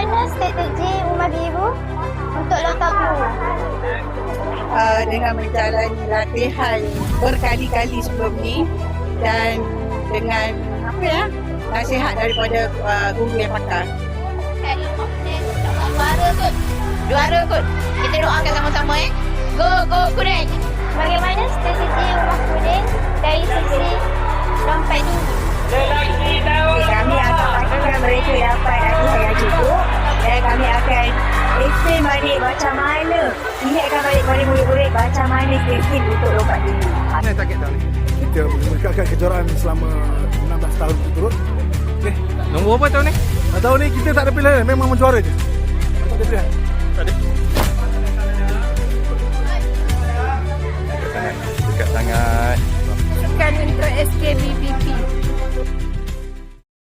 Bagaimana strategi Rumah Biru untuk lompat guru? Dengan menjalani latihan berkali-kali sebelum ni dan dengan nasihat daripada guru yang pakar. Juara kot. Kita doakan sama-sama Go Kuning. Bagaimana strategi Rumah Kuning dari sisi lompat tinggi? Kami akan pastikan mereka dapat latihan yang cukup dan kami akan explain balik macam mana, ingatkan balik pada murid-murid macam mana skill untuk lompat tinggi. Ini target tahun ni. Kita meningkatkan kejuaraan selama 16 tahun berturut. Okey. Nombor apa tahun ni? Tahun ni kita tak ada pilihan, memang menjuara je. Tak ada pilihan. Tak ada. Dekat sangat. Bukan untuk SKBBP.